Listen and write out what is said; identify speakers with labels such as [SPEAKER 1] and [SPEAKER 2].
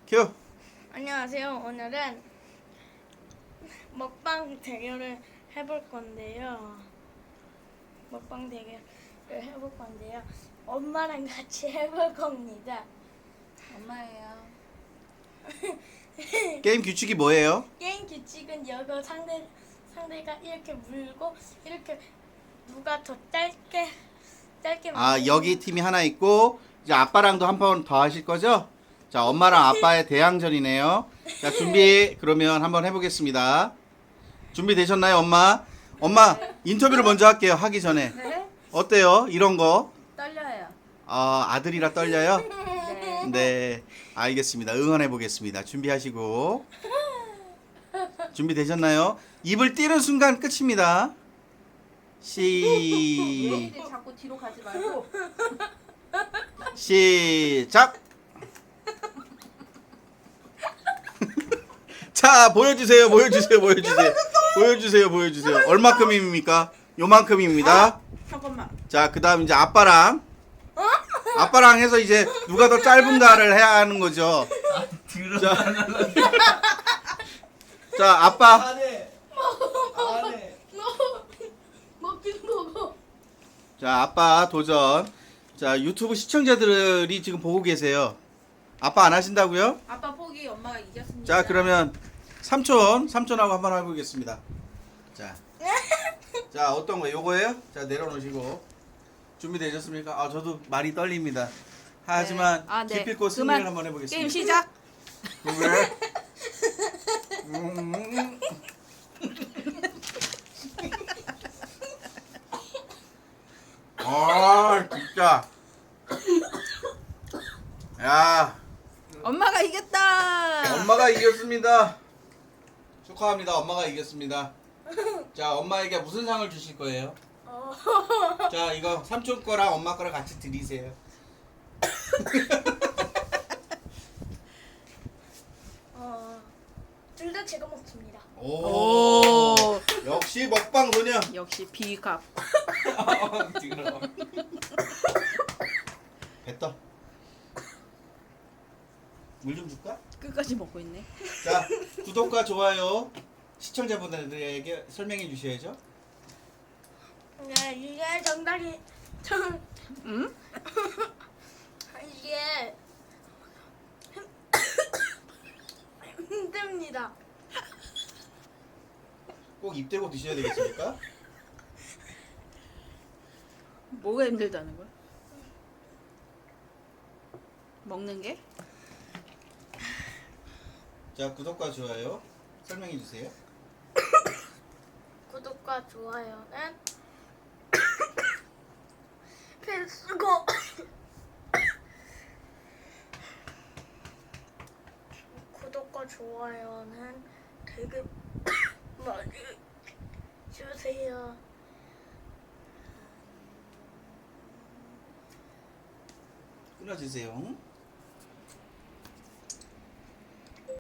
[SPEAKER 1] 큐.
[SPEAKER 2] 안녕하세요. 오늘은 먹방 대결을 해볼 건데요. 먹방 대결을 해볼 건데요. 엄마랑 같이 해볼 겁니다.
[SPEAKER 3] 엄마예요.
[SPEAKER 1] 게임 규칙이 뭐예요?
[SPEAKER 2] 게임 규칙은 여기 상대가 이렇게 물고 이렇게 누가 더 짧게
[SPEAKER 1] 아,
[SPEAKER 2] 물고
[SPEAKER 1] 여기 팀이 하나 있고 이제 아빠랑도 한 번 더 하실 거죠? 자, 엄마랑 아빠의 대항전이네요. 자, 준비. 그러면 한번 해보겠습니다. 준비되셨나요, 엄마? 엄마 인터뷰를 먼저 할게요. 하기 전에
[SPEAKER 3] 네?
[SPEAKER 1] 어때요? 이런 거?
[SPEAKER 3] 떨려요.
[SPEAKER 1] 아들이라 떨려요?
[SPEAKER 3] 네.
[SPEAKER 1] 네, 알겠습니다. 응원해 보겠습니다. 준비하시고. 준비되셨나요? 입을 띄는 순간 끝입니다.
[SPEAKER 3] 왜 이리 자꾸 뒤로 가지 말고.
[SPEAKER 1] 시작. 자, 보여주세요. 보여주세요. 얼마큼입니까? 요만큼입니다.
[SPEAKER 3] 잠깐만.
[SPEAKER 1] 자, 그 다음 이제 아빠랑 해서 이제 누가 더 짧은가를 해야 하는 거죠. 자, 아빠.
[SPEAKER 4] 안해.
[SPEAKER 2] 먹긴 먹어.
[SPEAKER 1] 자, 아빠 도전. 자, 유튜브 시청자들이 지금 보고 계세요. 아빠 안 하신다고요?
[SPEAKER 3] 아빠 포기 엄마가 이겼습니다.
[SPEAKER 1] 자, 그러면 삼촌하고 한번 해보겠습니다. 자, 어떤 거? 요거예요? 자, 내려놓으시고. 준비되셨습니까? 아, 저도 많이 떨립니다. 하지만
[SPEAKER 3] 네. 아, 네.
[SPEAKER 1] 기필코 승리를
[SPEAKER 3] 그만.
[SPEAKER 1] 한번 해보겠습니다.
[SPEAKER 3] 게임 시작.
[SPEAKER 1] 왜? 아, 진짜. 야,
[SPEAKER 3] 엄마가 이겼다.
[SPEAKER 1] 엄마가 이겼습니다. 축하합니다. 엄마가 이겼습니다. 자, 엄마에게 무슨 상을 주실 거예요? 자, 이거 삼촌 거랑 엄마 거랑 같이 드리세요.
[SPEAKER 2] 둘 다 제가 먹습니다.
[SPEAKER 1] 오, 역시 먹방 소녀.
[SPEAKER 3] 역시 비갑.
[SPEAKER 1] 뱉어. 물 좀 줄까?
[SPEAKER 3] 끝까지 먹고 있네.
[SPEAKER 1] 자, 구독과 좋아요 시청자분들에게 설명해 주셔야죠.
[SPEAKER 2] 네, 이게 정답이
[SPEAKER 3] 응?
[SPEAKER 2] 이게 힘듭니다.
[SPEAKER 1] 꼭 입 대고 드셔야 되겠습니까?
[SPEAKER 3] 뭐가 힘들다는 거야? 먹는 게?
[SPEAKER 1] 자, 구독과 좋아요 설명해 주세요.
[SPEAKER 2] 구독과 좋아요는 필수고 구독과 좋아요는 되게 많이 주세요.
[SPEAKER 1] 끊어주세요.